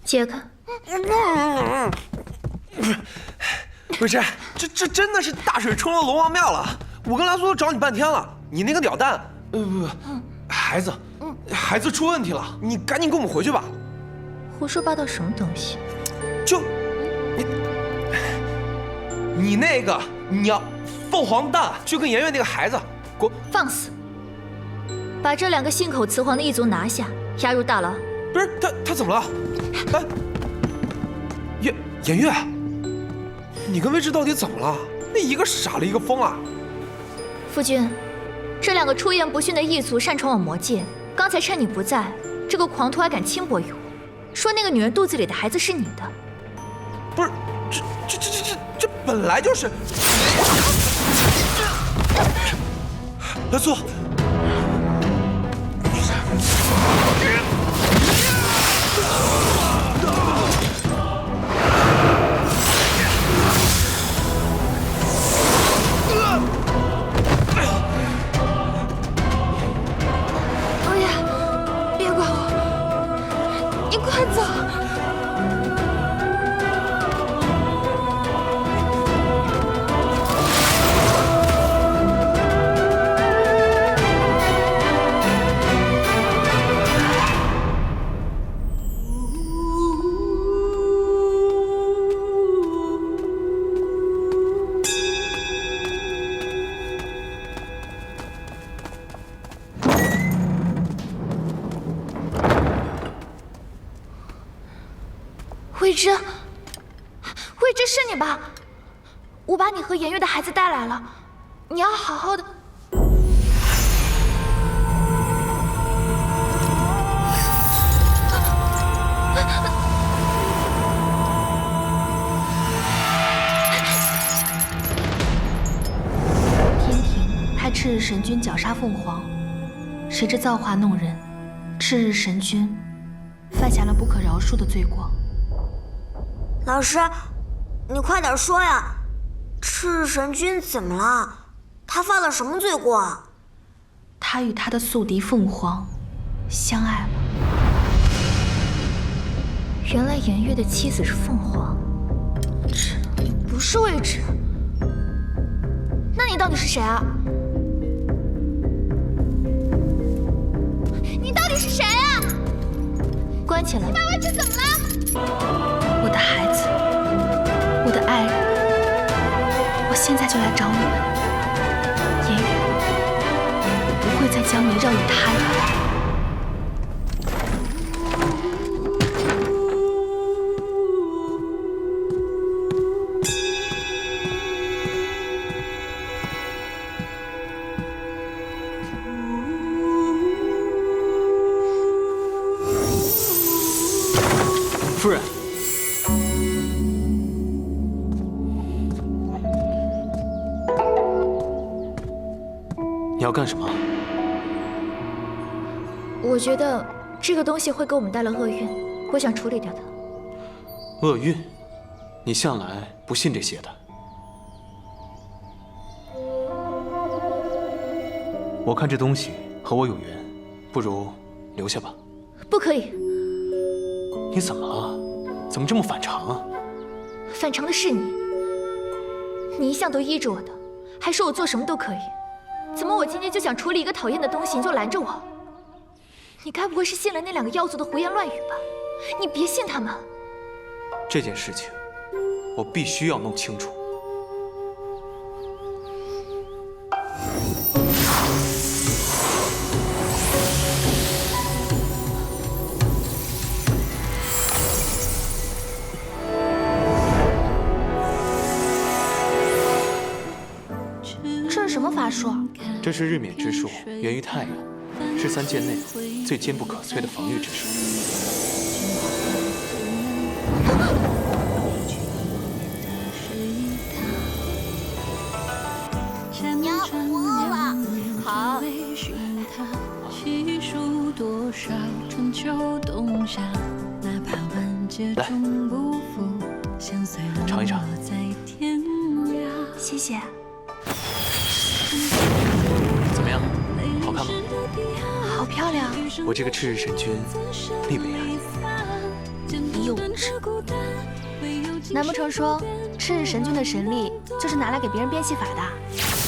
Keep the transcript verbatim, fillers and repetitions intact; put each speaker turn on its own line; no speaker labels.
解开。
魏晨，这这真的是大水冲了龙王庙了！我跟蓝苏找你半天了，你那个鸟蛋，呃不不，孩子，孩子出问题了，你赶紧跟我们回去吧。
胡说八道什么东西？
就你你那个鸟凤凰蛋，就跟圆圆那个孩子，给我
放肆！把这两个信口雌黄的异族拿下，押入大牢。
不是他他怎么了？哎，颜颜月，你跟魏志到底怎么了？那一个傻了，一个疯了。
夫君，这两个出言不逊的异族擅闯我魔界，刚才趁你不在，这个狂徒还敢轻薄于我，说那个女人肚子里的孩子是你的。
不是，这这这这这这本来就是。蓝苏。
魏之，魏之是你吧？我把你和颜月的孩子带来了，你要好好的。
天庭派赤日神君绞杀凤凰，谁知造化弄人，赤日神君犯下了不可饶恕的罪过。
老师，你快点说呀！赤日神君怎么了？他犯了什么罪过啊？
他与他的宿敌凤凰相爱了。
原来颜月的妻子是凤凰，这不是魏之。那你到底是谁啊？你到底是谁啊？关起来！你把魏之怎么了？
我的孩子，我的爱人，我现在就来找你们。颜月，我不会再将你让与他人。
夫人。你要干什么？
我觉得这个东西会给我们带来厄运，我想处理掉它。
厄运？你向来不信这些的。我看这东西和我有缘，不如留下吧。
不可以。
你怎么了？怎么这么反常啊？
反常的是你，你一向都依着我的，还说我做什么都可以。怎么我今天就想处理一个讨厌的东西，你就拦着我？你该不会是信了那两个妖族的胡言乱语吧？你别信他们。
这件事情，我必须要弄清楚。
这是什么法术？
这是日冕之术，源于太阳，是三界内最坚不可摧的防御之术。
娘，我饿了。好。
来，尝一尝。
谢谢。
怎么样？好看吗？
好漂亮。
我这个赤日神君，力为爱。
你有无知。难不成说赤日神君的神力就是拿来给别人变戏法的？